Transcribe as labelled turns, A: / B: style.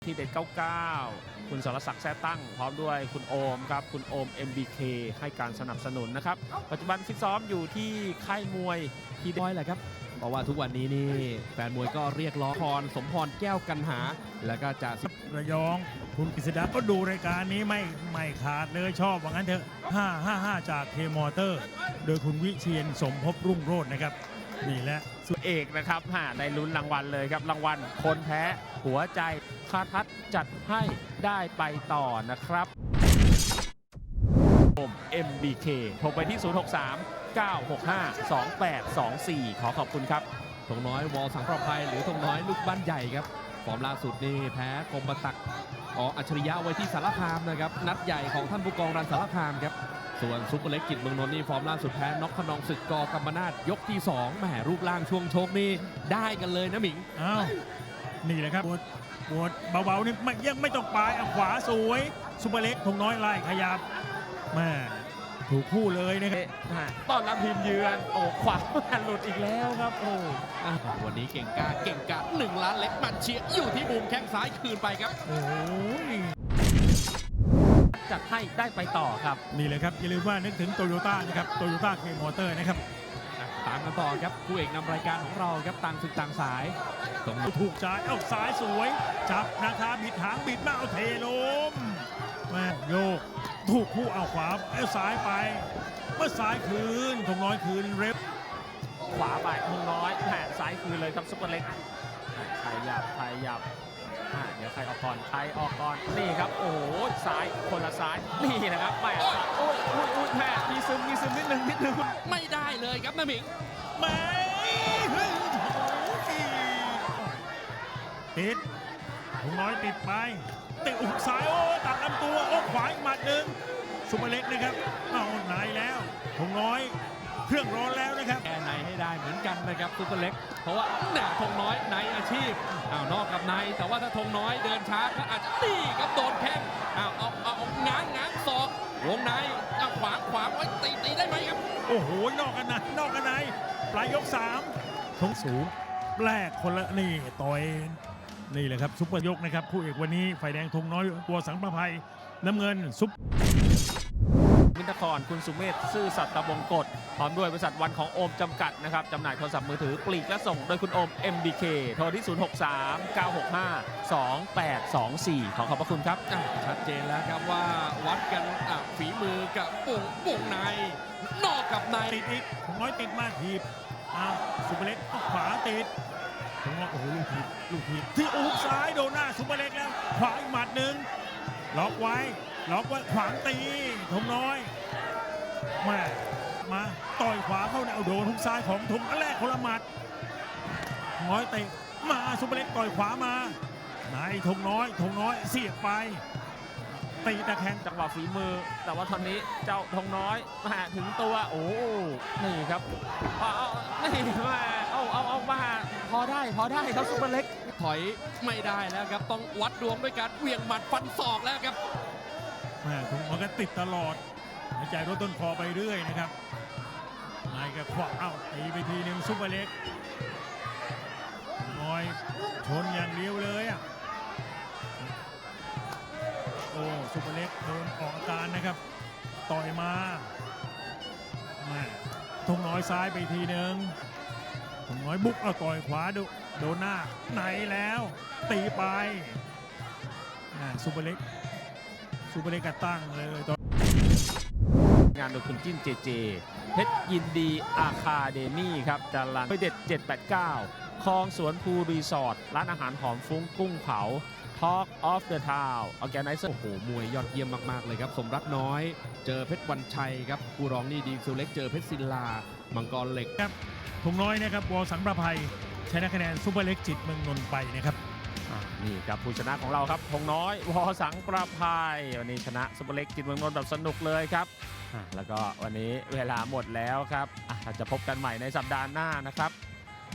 A: ที่เด็ด99คุณสรศักดิ์แท้ตั้งพร้อมด้วยคุณโอมครับคุณโอม MBK ให้การสนับสนุนนะครับปัจจุบันฟิตซ้อมอยู่ที่ค่ายมวยที่
B: น้อยแหละครับเพราะว่าทุกวันนี้นี่แฟนมวยก็เรียกร้องพรสมพรแก้วกันหาแล้วก็จะ
C: ระยองคุณกฤษดาก็ดูรายการนี้ไม่ขาดเลยชอบว่างั้นเถอะ555จากเคมอเตอร์โดยคุณวิเชียนสมภพรุ่งโรจน์นะครับนี่แหละ
A: สุดเอกนะครับได้ลุ้นรางวัลเลยครับรางวัลคนแพ้หัวใจคาทัศจัดให้ได้ไปต่อนะครับผม MBK โทรไปที่ 063 965 2824 ขอขอบคุณครับ
B: ธงน้อยวอสังประภัยหรือธงน้อยลูกบ้านใหญ่ครับฟอร์มล่าสุดนี่แพ้กรมตักอัจฉริยะไว้ที่สารคามนะครับนัดใหญ่ของท่านผู้กองรันสารคามครับส่วนซุปเปอร์เล็กกิจเมืองนนท์นี่ฟอร์มล่าสุดแพ้น็อกขนองศึกกกำมนาทยกที่2แหมรูปร่างช่วงชกนี่ได้กันเลยนะหมิง
C: อ้าวนี่แหละครับปวดเบาๆนี่ยังไม่ต้องปลายขวาสวยซุปเปอร์เล็กธงน้อยไล่ขยับแม่ถูกคู่เลยนะครับ
A: ต้อนรับทีมเยือนโอ้ขวาหลุดอีกแล้วครับโอ้
B: วันนี้เก่งกา1 ล้านเล็กมันเชียร์อยู่ที่มุมแข้งซ้ายคืนไปครับ
C: โอ้ย
A: จัดให้ได้ไปต่อครับ
C: นี่เลยครับอย่าลืมว่านึกถึงโตโยต้านะครับโตโยต้าเคมอเตอร์นะครับ
B: ตามกันต่อครับคู่เอกนำรายการของเราครับต่างศึกต่างสาย
C: ตรงถูกจ่ายซ้ายสวยจับนะคะบิดหางบิดมาเอาเทลมแม่โยกถูกคู่เอาขวาซ้ายไปเมื่อซ้ายคืนธงน้อยคืนเร็ว
A: ขวาไปธงน้อยแผ่ซ้ายคืนเลยครับซุปเปอร์เล็กใครหยับเดี๋ยวใครออกก่อนนี่ครับโอ้โหซ้ายคนละซ้ายนี่นะครับแม่โอ้ยแม่มีซึมนิดนึง
B: ไม่ได้เลยครับนะหมิง
C: ไม่ติดธงน้อยติดไปติดอุกซ้ายโอ้ตัดลำตัวโอ้ขวาอีกหมัดหนึ่งซุปเปอร์เล็กนะครับเอาไหนแล้วธงน้อยเครื่องร้อนแล้วนะครับ
B: แก้ในให้ได้เหมือนกันนะครับซุปเปอร์เล็กเพราะว่าเนี่ยธงน้อยในอาชีพนอกกับในแต่ว่าถ้าธงน้อยเดินช้าก็อาจจะตีกับโดนแข้งเอาง้างศอกวงในขวางไว้ตีได้ไหมครับ
C: โอ้โหนอกกันในปลายยก3ธงสูงแรกคนละนี่ต่อยนี่แหละครับซุปเปอร์ยกนะครับคู่เอกวันนี้ฝ่ายแดงธงน้อยตัวสังประภัยน้ำเงินซุป
A: มินทครคุณสุเมธซื่อสัตย์ตะบงกฎพร้อมด้วยบริษัทวันของโอมจำกัดนะครับจำหน่ายโทรศัพท์มือถือปลีกและส่งโดยคุณโอม MBK โทรที่ 063 965 2824 ขอขอบพระคุณครับ
B: ชัดเจนแล้วครับว่าวัดกันฝีมือกับวงในนอกกับใน
C: ติดอีกถุงน้อยติดมากทีบซุปเปอร์เล็กขวาติดถุงน้อยโอ้โหลูกทีบที่อุกซ้ายโดนหน้าซุปเปอร์เล็กแล้วขวาอีกหมัดหนึ่งล็อกไว้ขวางตีธงน้อยมาต่อยขวาเข้าเอาโดนทุกซ้ายของธงแรกคนละหมัดน้อยเตะมาซุปเปอร์เล็กต่อยขวามาไหนธงน้อยเสียบไปตีตะแคง
A: จังหวะฝีมือแต่ว่าตอนนี้เจ้าธงน้อยมาถึงตัวโอ้นี่ครับนี่มาเอามาพอได้ครับซุปเปอร์เล็ก
B: ถอยไม่ได้แล้วครับต้องวัดดวงด้วยการเหวี่ยงหมัดฟันศอกแล้วครับ
C: ถุงมันก็ติดตลอดหายใจรถต้นคอไปเรื่อยนะครับนายก็ขวาตีไปทีหนึ่งซุปเปอร์เล็กน้อยชนอย่างเดียวเลยโอ้ซุปเปอร์เล็กโดนออกอาการนะครับต่อยมาธงน้อยซ้ายไปทีหนึ่งธงน้อยบุกต่อยขวาโดนหน้าไหนแล้วตีไปซุปเปอร์เล็กก็ตั้งเลย
A: งานโดยคุณจิ้นเจเพชรยินดีอาคาเดมี่ครับจารันเด็ด789คลองสวนภูรีสอร์ทร้านอาหารหอมฟุ้งกุ้งเผา Talk of the Town ออแกไนเซอร์
B: โอ้โหมวยยอดเยี่ยมมากๆเลยครับสมรักน้อยเจอเพชรวันชัยครับผู้รองนี่ดีซูเล็กเจอเพชรศิลามังกรเหล็ก
C: ครับธงน้อยนะครับวอสังประภัยชนะคะแนนซุปเปอร์เล็กจิตเมืองนนท์ไปนะครับ
A: นี่ครับผู้ชนะของเราครับธงน้อยวอสังประภัยวันนี้ชนะซุปเปอร์เล็กจิตเมืองนนท์แบบสนุกเลยครับแล้วก็วันนี้เวลาหมดแล้วครับจะพบกันใหม่ในสัปดาห์หน้านะครับ